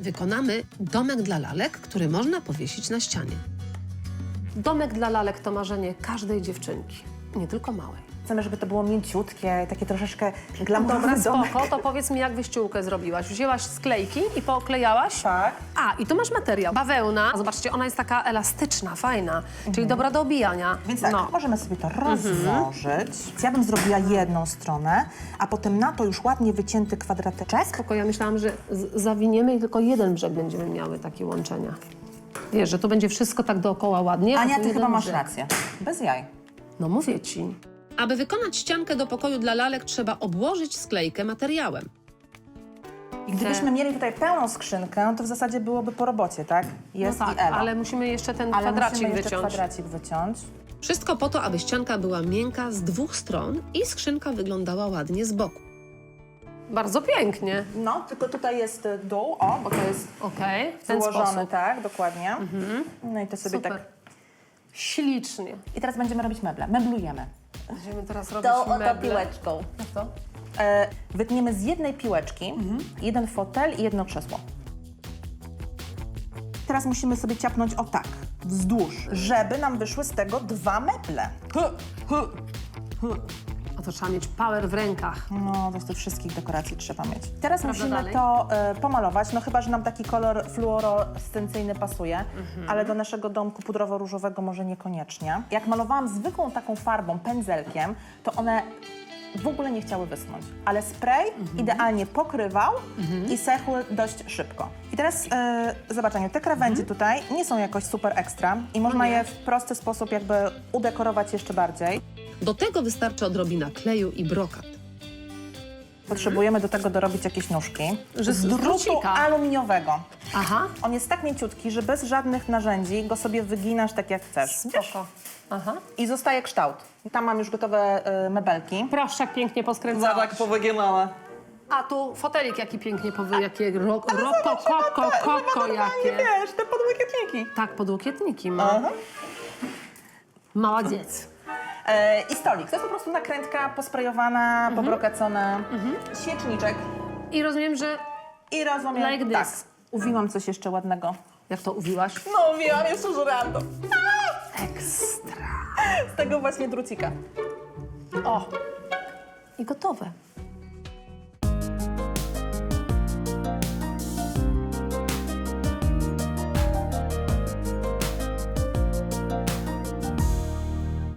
wykonamy domek dla lalek, który można powiesić na ścianie. Domek dla lalek to marzenie każdej dziewczynki, nie tylko małej. Chcemy, żeby to było mięciutkie, takie troszeczkę Dobra, glamurowe domek. spoko, to powiedz mi, jak wyściółkę zrobiłaś. Wzięłaś sklejki i pooklejałaś? Tak. A, i tu masz materiał. Bawełna. Zobaczcie, ona jest taka elastyczna, fajna, czyli dobra do obijania. Więc tak, możemy sobie to rozłożyć. Ja bym zrobiła jedną stronę, a potem na to już ładnie wycięty kwadrateczek. Spoko, ja myślałam, że zawiniemy i tylko jeden brzeg będziemy miały takie łączenia. Wiesz, że to będzie wszystko tak dookoła ładnie, Ania, tu ty jeden chyba masz brzeg. rację. Bez jaj. No mówię ci. Aby wykonać ściankę do pokoju dla lalek, trzeba obłożyć sklejkę materiałem. I gdybyśmy mieli tutaj pełną skrzynkę, to w zasadzie byłoby po robocie, tak? Jest No tak, i Ewa. ale musimy jeszcze ten Ale kwadracik musimy jeszcze wyciąć. kwadracik wyciąć. Wszystko po to, aby ścianka była miękka z dwóch stron i skrzynka wyglądała ładnie z boku. Bardzo pięknie. No, tylko tutaj jest dół, o, bo to jest Okej, w ten wyłożony, sposób. tak, dokładnie. No i to sobie Super. tak... Ślicznie. I teraz będziemy robić meble, meblujemy. Będziemy teraz robić meble. piłeczką. Jak to? Wytniemy z jednej piłeczki jeden fotel i jedno krzesło. Teraz musimy sobie ciapnąć o tak, wzdłuż, żeby nam wyszły z tego dwa meble. A to trzeba mieć power w rękach. No, to z tych wszystkich dekoracji trzeba mieć. Teraz Prawda musimy dalej? to pomalować, no chyba, że nam taki kolor fluorescencyjny pasuje, ale do naszego domku pudrowo-różowego może niekoniecznie. Jak malowałam zwykłą taką farbą, pędzelkiem, to one w ogóle nie chciały wyschnąć, ale spray idealnie pokrywał i sechły dość szybko. I teraz zobacz, Aniu, te krawędzie tutaj nie są jakoś super ekstra i można je w prosty sposób jakby udekorować jeszcze bardziej. Do tego wystarczy odrobina kleju i brokat. Potrzebujemy do tego dorobić jakieś nóżki Że z z drutu drucika. aluminiowego. Aha. On jest tak mięciutki, że bez żadnych narzędzi go sobie wyginasz tak jak chcesz. Spoko. Aha. I zostaje kształt. Tam mam już gotowe mebelki. Proszę, jak pięknie poskręcałaś. powyginane. A tu fotelik jaki pięknie jakie koko jakie. Wiesz, te podłokietniki. Tak, podłokietniki ma. Mała dziec. I stolik. To jest po prostu nakrętka posprejowana, pobrokacona. Świeczniczek. I rozumiem, że I rozumiem. Like this. Tak. Uwiłam coś jeszcze ładnego. jak to uwiłaś? No uwiłam, jest żurando. Ekstra. Z tego właśnie drucika. O! I gotowe.